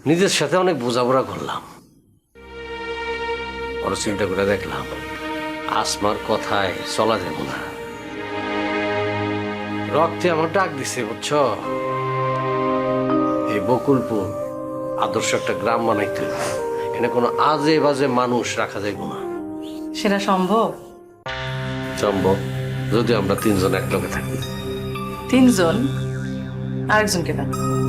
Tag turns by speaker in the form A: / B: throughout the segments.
A: নিজের সাথে অনেক বোঝাপড়া করলাম, বড় চিন্তা করে দেখলাম আসমার কথায় চলা যাব না। রক্তে আমার ডাক দিছে, বুঝছ? এই বকুলপুর আদর্শ একটা গ্রাম বানাইতে হবে। এখানে কোনো আজে বাজে মানুষ রাখা যাইব না।
B: সেটা সম্ভব?
A: সম্ভব, যদি আমরা তিনজন একলগে থাকি।
B: তিনজন? আরেকজনকে দেন।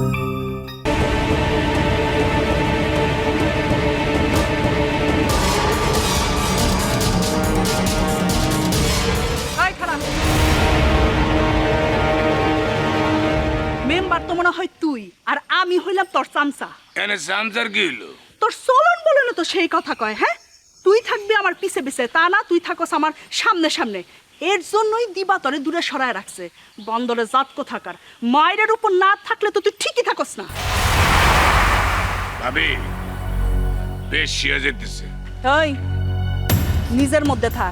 C: মেম্বার তো মনে হয় তুই, আর আমি হইলাম তোর চামচা।
D: এনে সামসার কি হইলো?
C: তোর চলন বলে না তো সেই কথা কয়। হ্যাঁ, তুই থাকবি আমার পিছে পিছে, তা না তুই থাকস আমার সামনে সামনে। এর জন্যই দিবা তরে দূরে সরায় রাখছে। বন্দরে জাত কোথাকার, মায়ের উপর না থাকলে তো তুই ঠিকই থাকস না।
D: ভাবি বেশ শিয়া যেতেছে।
C: ওই নিজের মধ্যে থাক,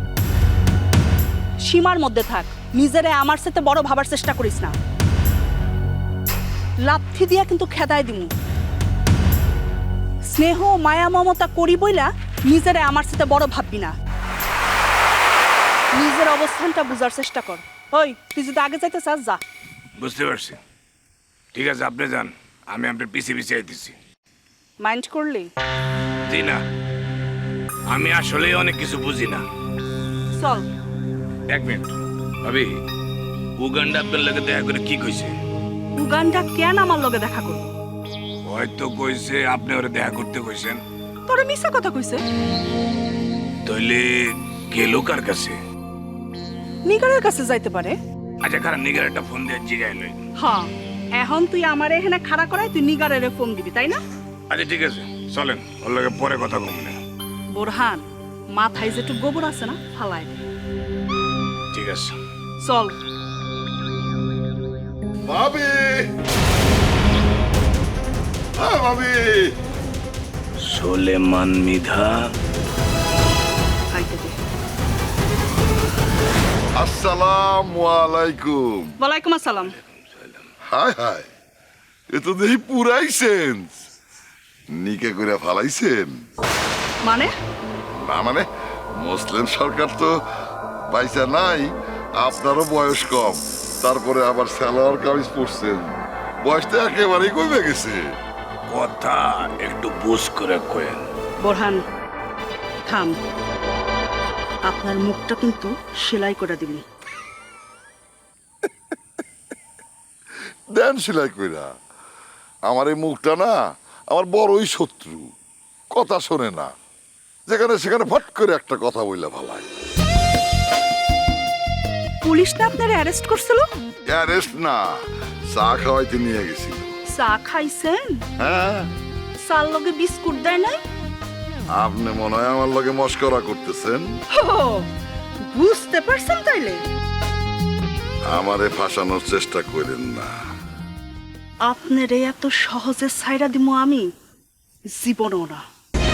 C: সীমার মধ্যে থাক। নিজেরে আমার সাথে বড় ভাবার চেষ্টা করিস না। লাথি দিয়া কিন্তু খেদায় দিমু। স্নেহ মায়া মমতা করি বইলা নিজেরে আমার সাথে বড় ভাববি না। নিজের অবস্থানটা বুঝার চেষ্টা কর। ওই তুই যদি আগে যাইতে চাস যা।
D: বুঝতে পারছি, ঠিক আছে আপনি যান, আমি আপনার পিছিয়ে পিছিয়ে আইতেছি।
C: মাইন্ড করলি?
D: জি না, আমি আসলে অনেক কিছু বুঝি না।
C: চল।
D: এক মিনিট ভাবি, উগান্ডা আপনার লাগে দেখা করে কি কইছে?
C: উগান্ডা কেন আমার লগে দেখা করবো?
D: হয়তো কইছে আপনি ওরে দেখা করতে কইছেন।
C: তোরে মিছা কথা কইছে।
D: তাইলে গেল কার কাছে?
C: নিগারের কাছে যাইতে পারে।
D: আচ্ছা খারাপ, নিগার একটা ফোন দিয়ে জিগাইল।
C: হ্যাঁ, এখন তুই আমার এখানে খাড়া করাই তুই নিগারের ফোন দিবি, তাই না?
D: আচ্ছা ঠিক আছে, চলেন ওর লাগে পরে কথা কম না।
C: বোরহান, মাথায় যেটু গোবর আছে না, ফালাই দে।
D: ঠিক আছে
C: চল।
E: ভাবি, ভাবি,
D: সোলেমান মিধা।
C: খাইতে দে।
E: আসসালামু আলাইকুম।
C: ওয়ালাইকুম আসসালাম।
E: হাই হাই, এ তো দেখি পুরাই সেন্স। নিকে করে ফালাইছেন?
C: মানে?
E: না মানে, মুসলিম সরকার তো পয়সা নাই, আপনারও বয়স কম, তারপরে আবার সালোয়ার কামিজ পরছেন, বয়সটা একেবারেই কমে গেছে।
D: কথা একটু বুঝ করে কয়েন।
C: বোরহান থাম, আপনার মুখটা কিন্তু সেলাই করে দিবি।
E: দেন সেলাই কইরা। আমার এই মুখটা না আমার বড়ই শত্রু, কথা শোনে না, যেখানে সেখানে ফট করে একটা কথা বললে ভালাই।
C: পুলিশ না আপনার অ্যারেস্ট করছিল?
E: অ্যারেস্ট না, চা খাওয়াইতে নিয়ে গেছিল।
C: চা খাইছেন?
E: হ্যাঁ,
C: চার লগে বিস্কুট দেয় নাই?
E: আপনি মনে হয় আমার লগে মস্করা করতেছেন।
C: হো, বুঝতে পারছেন তাইলে?
E: আমারে ফাঁসানোর চেষ্টা করেন না।
C: আপনার এত সহজে ছাইরা দিমু আমি জীবনও না।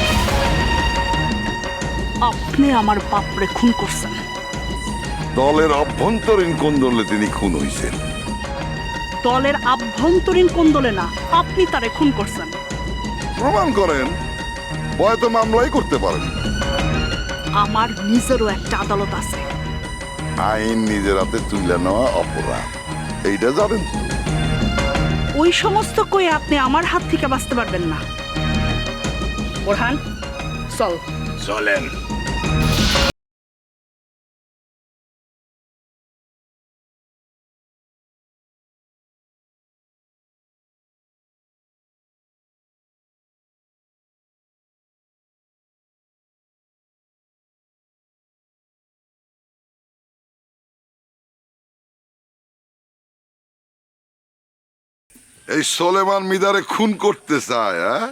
C: আপনি আমার বাপরে খুন করছেন।
E: দলের অভ্যন্তরীণ কোন্দলে তিনি খুন হইছেন।
C: দলের আভ্যন্তরীণ কোন্দলে না, আপনি তারে খুন করছেন।
E: প্রমাণ করেন, হয়তো মামলাই করতে পারেন।
C: আমার নিজেরও একটা আদালত আছে।
E: আইন নিজের হাতে তুলে নেওয়া অপরাধ, এইটা জানেন তো?
C: ওই সমস্ত কই আপনি আমার হাত থেকে বাঁচতে পারবেন না। বোরহান চল।
D: চলেন।
E: এই সোলেমান মিদারে খুন করতে চায়, হ্যাঁ?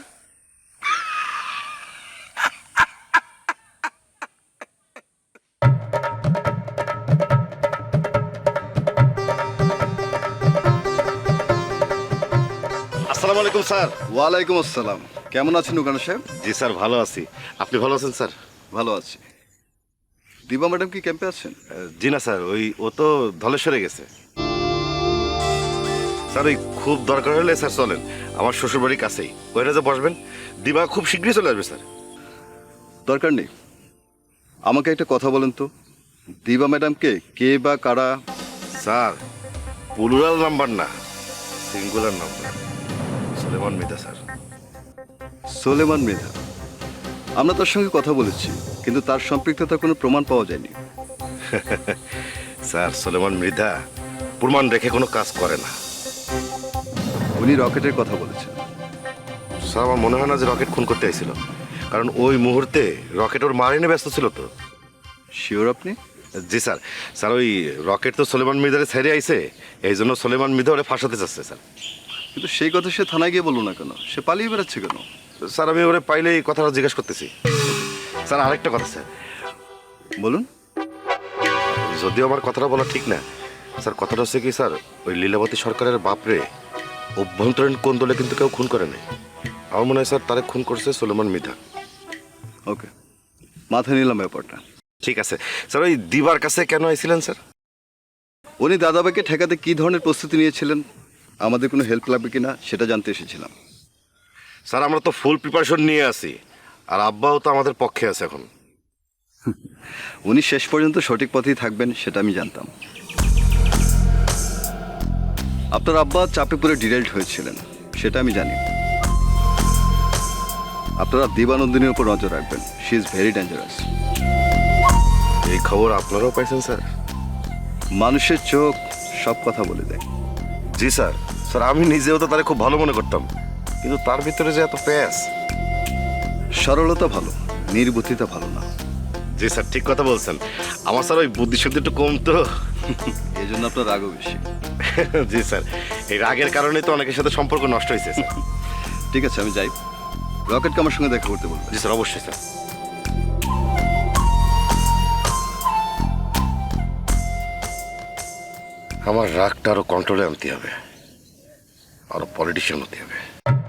F: আসসালামু আলাইকুম স্যার। ওয়ালাইকুম আসসালাম। কেমন আছেন উগান্ডা সাহেব?
G: জি স্যার, ভালো আছি। আপনি ভালো আছেন স্যার?
F: ভালো আছি। দিবা ম্যাডাম কি ক্যাম্পে আছেন?
G: জি না স্যার, ও তো ধলেশ্বরে গেছে। স্যার ওই খুব দরকার হলে স্যার চলেন, আমার শ্বশুরবাড়ির কাছেই ওইটা যে বসবেন, দিবা খুব শীঘ্রই চলে আসবে স্যার।
F: দরকার নেই। আমাকে একটা কথা বলেন তো, দিবা ম্যাডামকে কে বা কারা?
G: স্যার প্লুরাল নাম্বার না, singular number, Suleman Mridha sir.
F: Soleman Mridha? আমরা তার সঙ্গে কথা বলেছি, কিন্তু তার সম্পৃক্ততার কোনো প্রমাণ পাওয়া যায়নি।
G: স্যার সুলেমান মৃধা প্রমাণ রেখে কোনো কাজ করে না।
F: উনি রকেটের কথা বলেছেন।
G: স্যার আমার মনে হয় না যে রকেট খুন করতে আইছিল, কারণ ওই মুহূর্তে রকেট ওর মারিনে ব্যস্ত ছিল তো।
F: শিওর আপনি?
G: জি স্যার। স্যার ওই রকেট তো সুলেমান মৃধারে ছেড়ে আইছে, এই জন্য সুলেমান মৃধা ওরে ফাঁসাতে চাচ্ছে স্যার।
F: কিন্তু সেই কথা সে থানায় গিয়ে বললো না কেন? সে পালিয়ে বেড়াচ্ছে কেন?
G: স্যার আমি ওরে পাইলে এই কথাটা জিজ্ঞেস করতেছি। স্যার আরেকটা কথা স্যার,
F: বলুন।
G: যদিও আমার কথাটা বলা ঠিক না স্যার, কথাটা হচ্ছে কি স্যার, ওই লীলাবতী সরকারের বাপরে অভ্যন্তরীণ কোন্দলে কিন্তু কেউ খুন করে নাই। আমার মনে হয় স্যার তারে খুন করছে সুলেমান মৃধা।
F: ওকে, মাথায় নিলাম ব্যাপারটা।
G: ঠিক আছে স্যার। ওই দিবার কাছে কেন আইছিলেন স্যার?
F: উনি দাদাভাইকে ঠেকাতে কি ধরনের প্রস্তুতি নিয়েছিলেন, আমাদের কোনো হেল্প লাগবে কিনা সেটা জানতে এসেছিলাম।
G: স্যার আমরা তো ফুল প্রিপারেশন নিয়ে আছি, আর আব্বাও তো আমাদের পক্ষে আছে এখন।
F: উনি শেষ পর্যন্ত সঠিক পথেই থাকবেন সেটা আমি জানতাম। আপনার আব্বা চাপে পড়ে ডিরেল্ট হয়েছিলেন সেটা আমি জানি। আপনারা দিবানন্দিনীর উপর নজর রাখবেন, শি ইজ ভেরি ডেঞ্জারাস।
G: এই খবর আপনারাও পাইছেন স্যার?
F: মানুষের চোখ সব কথা বলে দেয়।
G: জি স্যার। স্যার আমি নিজেও তো তারে খুব ভালো মনে করতাম, কিন্তু তার ভিতরে যে এত প্যাস।
F: সরলতা ভালো, নির্বুদ্ধিতা ভালো না।
G: জি স্যার ঠিক কথা বলছেন। আমার স্যার ওই বুদ্ধিশক্তি একটু কম তো।
F: এই জন্য আপনার রাগও বেশি।
G: জি স্যার, এই রাগের কারণেই তো অনেকের সাথে সম্পর্ক নষ্ট হয়েছে স্যার।
F: ঠিক আছে, আমি যাই। রকেটকে আমার সঙ্গে দেখা করতে বলবো।
G: জি স্যার অবশ্যই স্যার। আমার রাগটা আরো কন্ট্রোলে আনতে হবে, আরো পলিটিশিয়ান হতে হবে।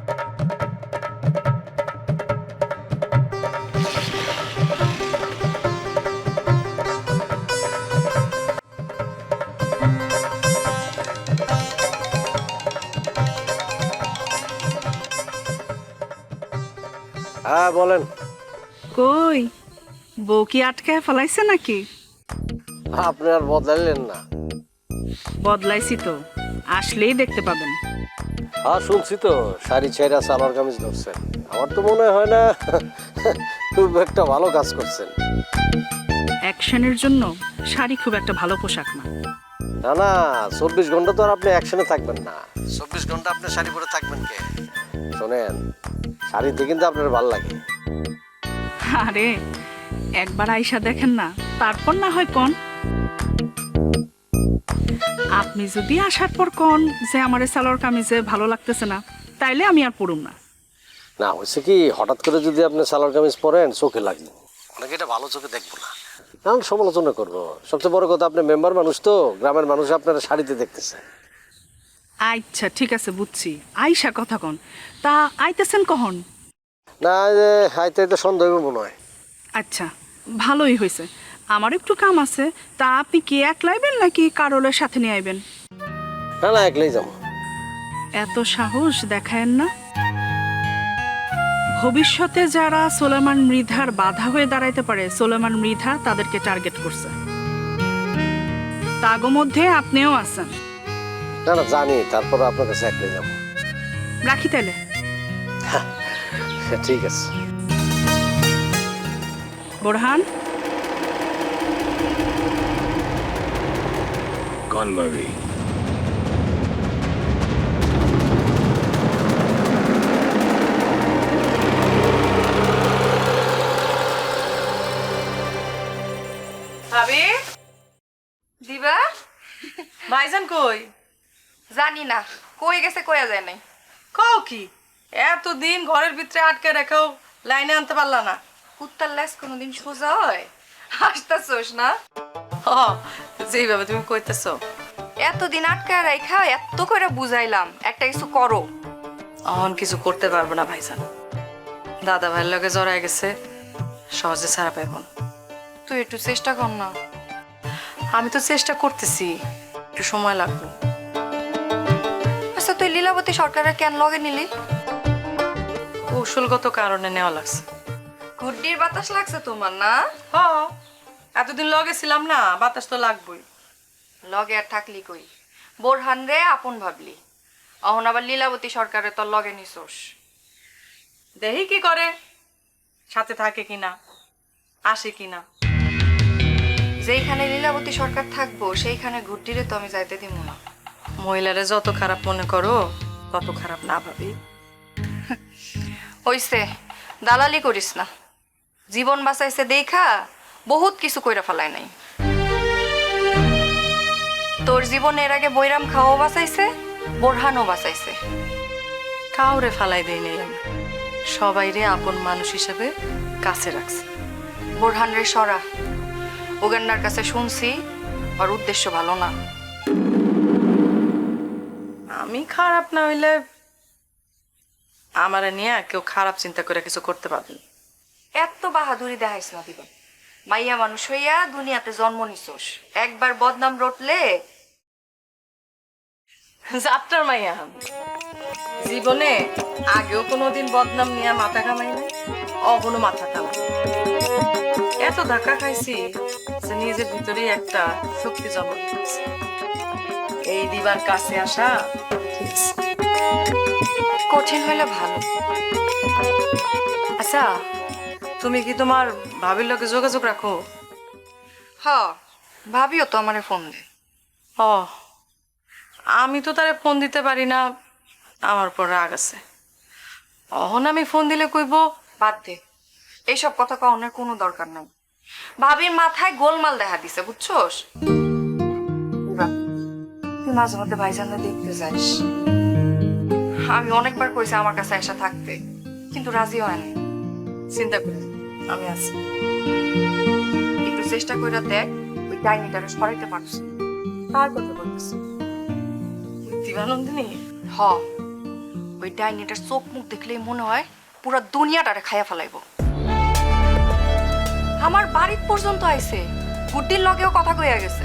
A: হ্যাঁ বলেন।
C: কই, বউ কি আটকায় ফেলাইছে নাকি?
A: আপনি আর বদলাইলেন না।
C: বদলাইছি তো, আসলেই দেখতে পাবেন।
A: হ্যাঁ শুনছি তো, শাড়ি ছেঁড়া সালোয়ার কামিজ ধরছেন। আমার তো মনে হয় না খুব একটা ভালো কাজ করছেন।
C: অ্যাকশনের জন্য শাড়ি খুব একটা ভালো পোশাক না।
A: না না, 24 ঘন্টা তো আর আপনি অ্যাকশনে থাকবেন না। 24 ঘন্টা আপনি শাড়ি পরে থাকবেন কে? শোনেন, শাড়িতে কিন্তু আপনার ভালো লাগে।
C: আরে একবার আইসা দেখেন না, তারপর না হয় কন। আপনি যদি আসার পর কন যে আমার সালোয়ার কামিজে ভালো লাগতেছে না, তাইলে আমি আর পড়ুম না।
A: না হয়েছে কি, হঠাৎ করে যদি আপনি সালোয়ার কামিজ পরেন চোখে লাগবে, অনেকে এটা ভালো চোখে দেখবো না, কারণ সমালোচনা করবো। সবচেয়ে বড় কথা, আপনি মেম্বার মানুষ তো, গ্রামের মানুষ আপনারা শাড়িতে দেখতেছে।
C: আচ্ছা ঠিক আছে, বুঝছি। আইসা কথা কন, তা আইতেছেন কখন?
A: না যে হাইতে হাইতে সন্দেহ হইব মনে হয়।
C: আচ্ছা ভালোই হয়েছে, আমার একটু কাম আছে। তা আপনি কি একলাইবেন নাকি কারোলের সাথে নিয়ে আইবেন?
A: না না, একলাই যাবো।
C: এত সাহস দেখায়েন না। ভবিষ্যতে যারা সোলেমান মৃধার বাধা হয়ে দাঁড়াইতে পারে, সোলেমান মৃধা তাদেরকে টার্গেট করছে। তাগো মধ্যে আপনিও আছেন।
A: না না জানি, তারপর আপনার কাছে একলাই যাবো।
C: রাখি তাইলে।
A: ঠিক আছে।
C: বোরহান,
D: কন ভাবি?
B: ভাবি, দিবা, ভাইজান কই?
H: জানি না কই গেছে, কইয়া যায় নাই।
B: কও কি, এতদিন ঘরের ভিতরে আটকে রেখেও লাইনে আনতে পারলা না?
H: কুত্তার লেজ কোনোদিন সোজা হয়? হাসতাছোস না?
B: হ, যেইভাবে তুমি কইতেছো।
H: এতদিন আটকায় রাইখা এত করে বুঝাইলাম, একটা কিছু করো।
B: অহন কিছু করতে পারবো না ভাইজান। দাদা ভাইয়ের লগে জড়ায় গেছে, সহজে ছাড়া পাইব না।
H: তুই একটু চেষ্টা কর না।
B: আমি তো চেষ্টা করতেছি, একটু সময় লাগবে।
H: লীলাবতী সরকারের কেন লগে নিলি?
B: কৌশলগত কারণে নেওয়া লাগছে।
H: গুড্ডির বাতাস লাগছে তোমার না?
B: হ, এতদিন লগে ছিলাম না, বাতাস তো লাগবই।
H: লগে আর থাকলি কই, বোরহান রে আপন ভাবলি, অহন আবার লীলাবতী সরকারের তোর লগে নিছোস।
B: দেখি কি করে, সাথে থাকে কিনা, আসে কিনা।
H: যেইখানে লীলাবতী সরকার থাকবো সেইখানে গুড্ডিরে তো আমি যাইতে দিব না।
B: মহিলারে যত খারাপ মনে করো তত খারাপ না ভাবি।
H: হইছে, দালালি করিস না। জীবন বাঁচাইছে দেখা বহুত কিছু কইরা ফেলায় নাই। তোর জীবনে এর আগে বৈরাম খাওয়াও বাঁচাইছে, বোরহানও বাঁচাইছে।
B: কাউরে ফালাই দেই নাই আমি, সবাইরে আপন মানুষ হিসেবে কাছে রাখছি।
H: বোরহান রে সরা, উগান্ডার কাছে শুনছি ওর উদ্দেশ্য ভালো না।
B: আমি খারাপ না হইলে আমারে নিয়ে কেউ খারাপ চিন্তা করে কিছু করতে পারবে না।
H: এত বাহাদুরি দেখাইস না দিবা। মাইয়া মানুষ হইয়া দুনিয়াতে জন্ম নিছোস, একবার বদনাম রটলে
B: যাত্রার মাইয়া আমি। জীবনে আগেও কোনোদিন বদনাম নিয়ে মাথা কামাই নাই, অগুনো মাথা কামাই। এত ধাক্কা খাইছি যে নিজের ভিতরেই একটা শক্তি জন্ম দিয়েছে। এই দিবার কাছে আসা ঠিক আছে।
H: কঠিন হইলে ভালো।
B: আচ্ছা, তুমি কি তোমার ভাবির লগে যোগাযোগ রাখো?
H: হ, ভাবিও তো আমারে ফোন দে।
B: ও, আমি তো তারে ফোন দিতে পারি না, আমার পর রাগ আছে। অহন আমি ফোন দিলে কইব
H: বাদ দে, এইসব কথা কওয়ানোর কোনো দরকার নাই। ভাবির মাথায় গোলমাল দেখা দিছে, বুঝছোস? তুই মাঝে মধ্যে ভাইজানরা দেখতে যাস। আমি অনেকবার কইছি আমার কাছে এসে থাকতে, কিন্তু রাজি হয় না।
B: চিন্তা করি, আমি আছি।
H: একটু চেষ্টা করে দেখ ওই ডাইনিটারে সরাইতে পারছি।
B: কার কথা বলতেছি? দিবানন্দিনী?
H: হ, ওই ডাইনিটার চোখ মুখ দেখলেই মনে হয় পুরো দুনিয়াটারে খাইয়া ফেলাইব। আমার বাড়ির পর্যন্ত আইছে, গুড্ডির লগেও কথা কইয়া গেছে।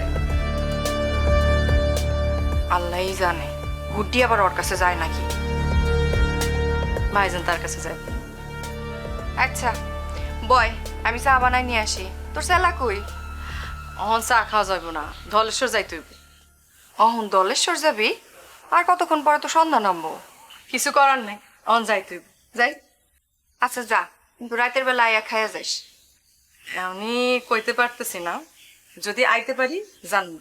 H: আল্লাহই জানে গুড্ডি আবার ওর কাছে যায় নাকি।
B: ভাইজান তার কাছে যায়।
H: আচ্ছা বয়, আমি চা বানাই নিয়ে আসি। তোর সেলা কই?
B: অহন চা খাওয়া যাবে না, ধলেশ্বর যাইতে হইবে।
H: অহন দলেশ্বর যাবি? আর কতক্ষণ পরে তো সন্ধ্যা নামবো।
B: কিছু করার নাই, অহন যাইতে হইবে।
H: যাই। আচ্ছা যা, কিন্তু রাতের বেলা আয়া খাইয়া যাইস।
B: আমি কইতে পারতেছি না, যদি আইতে পারি জানবো।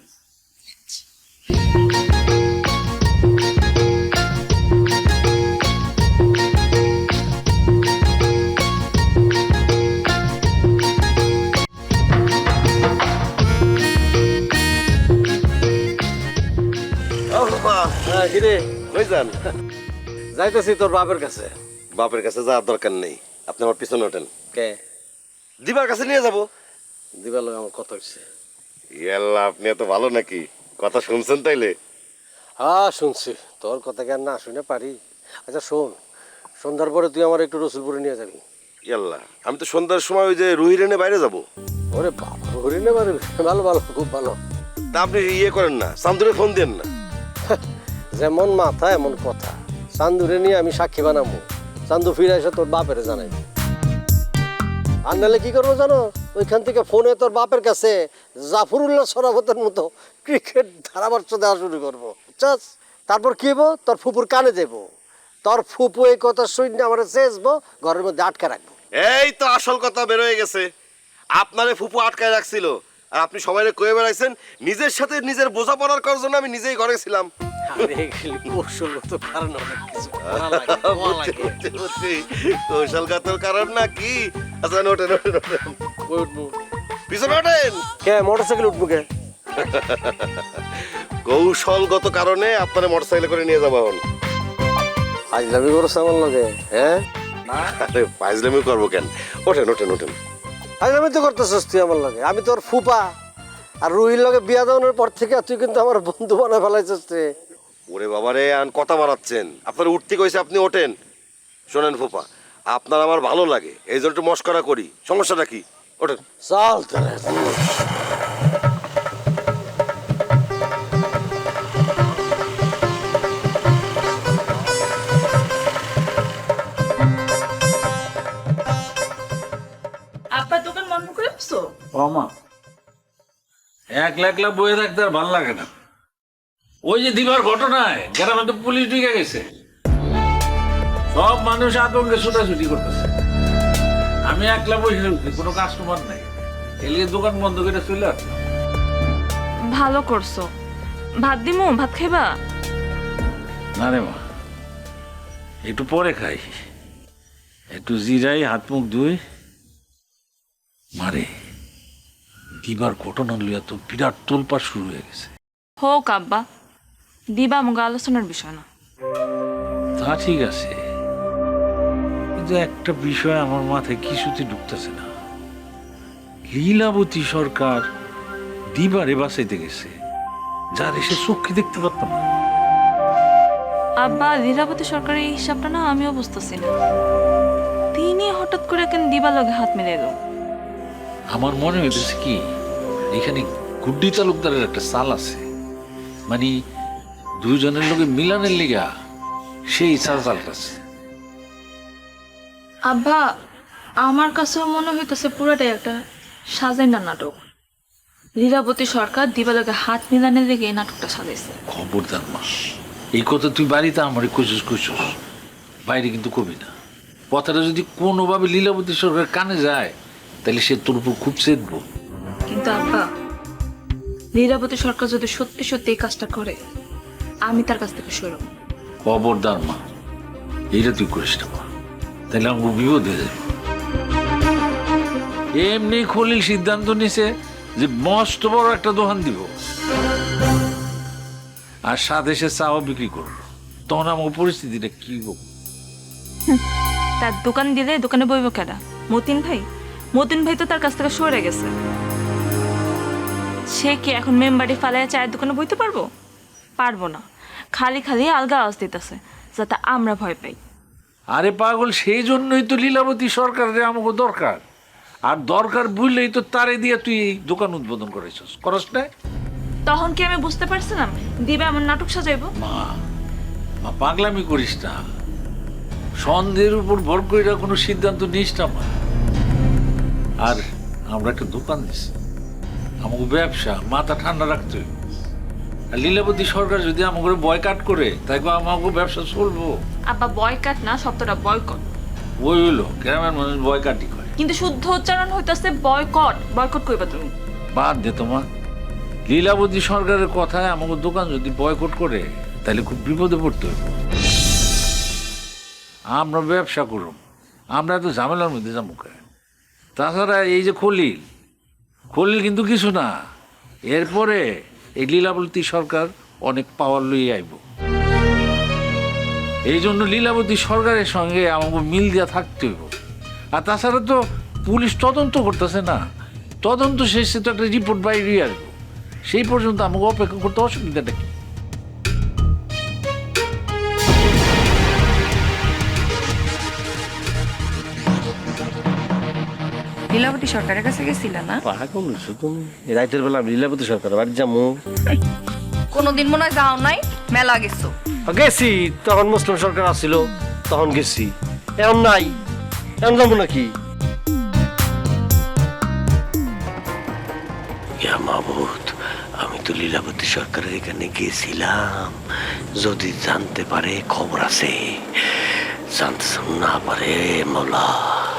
A: কিরে
G: ওই যান,
A: যাইতেছি তোর বাপের কাছে।
G: বাপের কাছে যাওয়ার দরকার নেই, আপনি আমার পিছনে ওঠেন।
A: কে
G: দিবার কাছে নিয়ে যাবো।
A: দিবার লগে আমার কথা হচ্ছে।
G: ইয়াল্লা, আপনি এত ভালো নাকি? কথা শুনছেন তাইলে?
A: হ্যাঁ শুনছি, তোর কথা কেন না শুনে পারি। আচ্ছা শোন, সন্ধ্যার পরে তুই আমার একটু রসুলপুরে নিয়ে যাবি।
G: ইয়াল্লা, আমি তো সন্ধ্যার সময় ওই যে রুহিরেনে বাইরে যাব।
A: ওরে বাবা, হরিণে পারবি? ভালো ভালো, খুব ভালো।
G: তা আপনি ইয়ে করেন না, চান্দুরে ফোন দেন না।
A: যেমন মাথা এমন কথা। চান্দুরে নিয়ে আমি সাক্ষী বানাবো, চান্দু ফিরে এসে তোর বাপের জানাই। আর নাহলে কি করবো জানো, ওইখান থেকে ফোনে তোর বাপের কাছে জাফরুল্লাহ সরাবতের মতো ক্রিকেট ধারাভাষ্য দেওয়া শুরু করবো, বুঝছস? তারপর কি হবো, তোর ফুপুর কানে দেবো, তোর ফুপু এই কথা শুনে আমার চেয়েছবো, ঘরের মধ্যে আটকে রাখবো।
G: এই তো আসল কথা বের হয়ে গেছে। আপনারে ফুপু আটকায় রাখছিল, আর আপনি সবাই কয়ে বেড়াইছেন নিজের সাথে নিজের বোঝাপড়ার করার জন্য আমি নিজেই ঘরে ছিলাম।
A: কৌশলগত কারণ অনেক কিছু করা লাগে, করা লাগে।
G: কৌশলগত কারণ না কি? আচ্ছা ওঠেন ওঠেন ওঠেন,
A: কই উঠবো?
G: পিছনে ওঠেন।
A: কে মোটরসাইকেল উঠবো কে?
G: কৌশলগত কারণে আপনারা মোটরসাইকেল করে নিয়ে যাবো। এখন
A: ফাইজলামি করছে আমার লগে? হ্যাঁ,
G: আরে ফাইজলামি করবো কেন? ওঠেন ওঠেন ওঠেন।
A: ফাইজলামি তো করতেছিস তুই আমার লগে। আমি তোর ফুপা, আর রুহির লগে বিয়া দেওয়ানোর পর থেকে তুই কিন্তু আমার বন্ধু বানায় ফেলাইছিস তুই।
G: ওরে বাবারে, আন কথা বাড়াচ্ছেন। আপনার উঠতে কইছে, আপনি ওঠেন। শোনেন ফুপা, আপনার আমার ভালো লাগে, এই জন্য একটু মস্করা করি, সমস্যাটা কি? ওঠেন।
A: চল তাহলে।
D: মামা একলা একলা বয়ে থাকতে আর ভালো লাগে না। ওই যে দিবার ঘটনায় গ্রামে তো পুলিশ ঢুকে গেছে, সব মানুষ আতঙ্কে ছুটাছুটি করতেছে। আমি একলা বসে রয়েছি, কোনো কাস্টমার নাই, এলিয়ে দোকান বন্ধ করে চলে আসলাম।
H: ভালো করছো। ভাত দিমু, ভাত খাইবা?
D: না রে মা, একটু পরে খাই, একটু জিরাই, হাত মুখ ধুই। মারে দিবার ঘটনা লইয়া তো বিরাট তোলপাড় শুরু হয়ে গেছে।
H: হোক আব্বা, দিবা মুগা আলোচনার বিষয় না।
D: তা ঠিক আছে, কিন্তু একটা বিষয় আমার মাথায় কিছুতে ঢুকতেছে না। লীলাবতী সরকার দিবারে বাঁচাইতে গেছে, যার এসে চোখে দেখতে পারতাম না।
H: আব্বা, লীলাবতী সরকারের এই হিসাবটা না আমিও বুঝতেছি না। তিনি হঠাৎ করে কেন দিবার লগে হাত মিলে এলো?
D: আমার মনে হইতেছে কি, এখানে গুড্ডি তালুকদারের একটা চাল আছে, মানে দুইজনের লোকে মিলানের লিগা সেই চালটাছে।
H: আব্বা, আমার কাছেও মনে হইতেছে পুরাটাই একটা সাজাইনা নাটক। লীলাবতী সরকার দিবার লগে হাত মিলানের লেগে এই নাটকটা সাজাইছে।
D: খবরদার মা, এই কথা তুই বাড়িতে আমার কুচুস, বাইরে কিন্তু কবি না। কথাটা যদি কোনোভাবে লীলাবতী সরকার কানে যায়, তাহলে সে তোর উপর খুব চেতবো।
H: কিন্তু আব্বা, লীলাবতী সরকার যদি সত্যি সত্যি এই কাজটা করে, আমি তার কাছ থেকে সরব।
D: খবরদার মা, এইটা তুই করিস না মা, তাহলে আমার বিপদ হয়ে যাবে। এমনি খলিল সিদ্ধান্ত নিছে যে মস্ত বড় একটা দোকান দিব, আর সাথে সে চাও বিক্রি করবো। তখন আমার পরিস্থিতিটা কি হোক?
H: তার দোকান দিলে দোকানে বইব কেডা? মতিন ভাই তো তার কাছ থেকে সরে গেছে। সে কি এখন মেম্বারি ফালাইয়া চায়ের দোকানে বইতে পারবো না। খালি আলগা আওয়াজ দিতেছে যাতে আমরা ভয় পাই।
D: আরে পাগল, সেই জন্যই তো লীলাবতী সরকারের আমাকে দরকার। আর দরকার বুঝলেই তো তারে দিয়ে তুই এই দোকান উদ্বোধন করেছিস, করস না?
H: তখন কি আমি বুঝতে পারছিলাম দিবা আমার নাটক সাজাইবো?
D: মা পাগলামি করিস না, সন্দেহের উপর ভর করে কোনো সিদ্ধান্ত নিস না মা। আর আমরা একটা দোকান দিছি, আমাকে ব্যবসা মাথা ঠান্ডা রাখতে হইব। আর লীলাবতী সরকার যদি আমাকে বয়কাট করে, তাই আমাকে ব্যবসা চলবো?
H: আব্বা, বয়কাট না, শব্দটা বয়কট।
D: ওই হইলো গ্রামের মানুষ বয়কাটই করে,
H: কিন্তু শুদ্ধ উচ্চারণ হইতাছে বয়কট কইবা তুমি।
D: বাদ দে তোমা। লীলাবতী সরকারের কথায় আমাকে দোকান যদি বয়কট করে, তাহলে খুব বিপদে পড়তে হইব। আমরা ব্যবসা করুম, আমরা এত ঝামেলার মধ্যে যাবো কেন? তাছাড়া এই যে খলিল কিন্তু কিছু না, এরপরে এই লীলাবতী সরকার অনেক পাওয়ার লইয়ে আইব। এই জন্য লীলাবতী সরকারের সঙ্গে আমাকে মিল দিয়া থাকতে হইব। আর তাছাড়া তো পুলিশ তদন্ত করতেছে না, তদন্ত শেষে তো একটা রিপোর্ট বাইরে আসবো, সেই পর্যন্ত আমাকে অপেক্ষা করতে অসুবিধাটা কি?
B: লীলাবতী সরকারের কাছে গেছিল না?
A: পাগল হইছো তুমি? রাইতের বেলা আমি লীলাবতী সরকার বাড়ি যাবো?
B: কোনোদিন মনে হয় যাও নাই, মেলা গেছো।
A: গেছি, তখন মুসলিম সরকার আসছিল, তখন গেছি। এখন নাই, এখন যাবো নাকি? মাহমুদ, আমি তো লীলাবতী সরকারের এখানে গেছিলাম, যদি জানতে পারে খবর আছে, জানতে না পারে মৌলা।